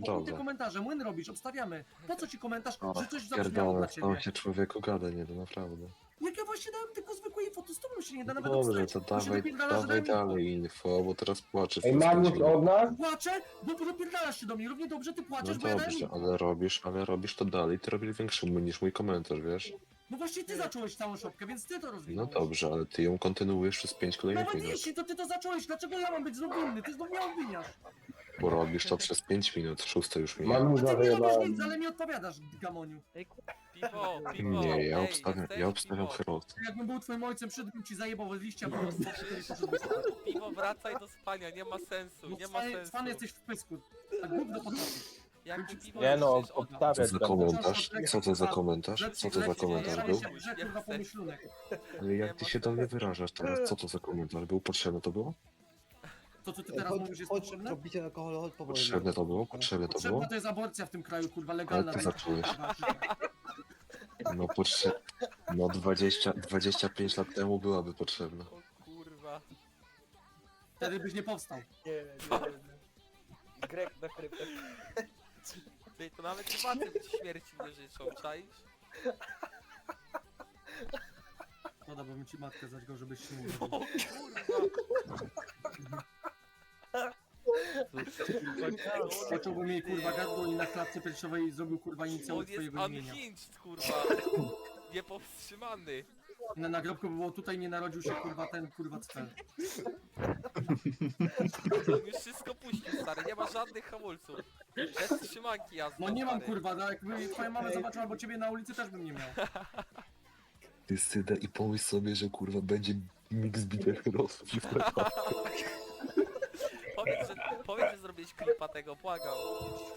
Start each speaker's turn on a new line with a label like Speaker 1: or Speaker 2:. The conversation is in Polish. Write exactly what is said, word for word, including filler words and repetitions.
Speaker 1: chuj te
Speaker 2: dobra.
Speaker 1: komentarze, młyn robisz, obstawiamy. Po co ci komentarz,
Speaker 2: O,
Speaker 1: że coś zabrzmiało dla
Speaker 2: pierdolę,
Speaker 1: ciebie?
Speaker 2: tam się człowieku gada, nie, to naprawdę.
Speaker 1: Jak ja właśnie dałem tylko zwykłe info, to z tobą się nie da nawet
Speaker 2: Dobrze,
Speaker 1: obstać.
Speaker 2: to
Speaker 1: Bo się
Speaker 2: dawaj,
Speaker 1: dopierdalasz, że
Speaker 2: dawaj
Speaker 1: dałem info.
Speaker 2: dalej info, bo teraz płaczesz
Speaker 3: Ej,
Speaker 2: przez pięć
Speaker 3: Mamuś
Speaker 2: minut.
Speaker 3: od nas?
Speaker 1: Płaczę, bo dopierdalasz się do mnie. Równie dobrze ty
Speaker 2: No
Speaker 1: płaczesz, bo ja dałem
Speaker 2: dobrze,
Speaker 1: info.
Speaker 2: ale robisz, ale robisz to dalej, ty robisz większy niż mój komentarz, wiesz?
Speaker 1: No właśnie ty zacząłeś całą szopkę, więc ty to
Speaker 2: No
Speaker 1: rozwinąłeś.
Speaker 2: dobrze, ale ty ją kontynuujesz przez pięć kolejnych
Speaker 1: Nawet
Speaker 2: minut.
Speaker 1: jeśli to ty to zacząłeś, dlaczego ja mam być znów winny? Ty znów mnie obwiniasz.
Speaker 2: Bo robisz to przez pięć minut, szóste już minie.
Speaker 3: Mamuś
Speaker 1: A ty nie robisz
Speaker 3: zawyjebałem.
Speaker 1: nic, ale mi odpowiadasz, gamoniu.
Speaker 4: Piwo, piwo.
Speaker 2: Nie, ja
Speaker 4: ej,
Speaker 2: obstawiam,
Speaker 4: jesteś?
Speaker 2: ja obstawiam
Speaker 4: Piwo.
Speaker 2: Herosy.
Speaker 1: Jakbym był twoim ojcem, przydbym ci zajebał z liścia, bo wtedy poszedłbyś spać.
Speaker 4: Piwo, wracaj do spania, nie ma sensu,
Speaker 1: Bo
Speaker 4: nie ma
Speaker 1: cwany-
Speaker 4: sensu.
Speaker 1: cwany jesteś w pysku. Tak gówno potrafisz.
Speaker 4: Jak piwo
Speaker 3: Nie no,
Speaker 4: przecież od-
Speaker 2: Co
Speaker 3: obstawiać
Speaker 2: za
Speaker 3: będę.
Speaker 2: komentarz? Co to za komentarz? Co to za komentarz był?
Speaker 1: Brzeg kurwa pomyślunek.
Speaker 2: Ale jak ty się do mnie wyrażasz teraz? Co to za komentarz był? Potrzebne to było?
Speaker 1: To co ty teraz mówisz jest potrzebne?
Speaker 5: Robicie alkohol, chodź powoli.
Speaker 2: Potrzebne to było? Potrzebne to było?
Speaker 1: Potrzebna to jest aborcja w tym kraju, kurwa, legalna.
Speaker 2: Ale ty zacząłeś. No potrze... No dwadzieścia, dwadzieścia pięć lat temu byłaby potrzebna.
Speaker 4: O kurwa.
Speaker 1: Wtedy byś nie powstał.
Speaker 5: Nie, nie, nie. Grek na kryptę.
Speaker 4: Ty, to nawet facet ci śmierci nie życzą, czaisz?
Speaker 1: Szkoda, bo bym ci matkę zaćgał, żebyś się nie
Speaker 4: O
Speaker 1: mówił.
Speaker 4: kurwa.
Speaker 1: Zacząłbym jej kurwa gardło i na klatce piersiowej zrobił kurwa inicjały
Speaker 4: On jest
Speaker 1: twojego imienia.
Speaker 4: unhinged, kurwa. Niepowstrzymany.
Speaker 1: Na nagrobku by było tutaj nie narodził się kurwa ten kurwa cel.
Speaker 4: On już wszystko puścił, stary, nie ma żadnych hamulców. Bez trzymanki jazdy.
Speaker 1: No nie mam
Speaker 4: stary.
Speaker 1: kurwa, no jakby twoja mama zobaczyła albo ciebie na ulicy też bym nie miał.
Speaker 2: Ty syda i pomyśl sobie, że kurwa będzie miks bitew Herosów i
Speaker 4: Powiedz, że, powiedz, że zrobiłeś klipa tego, błagam.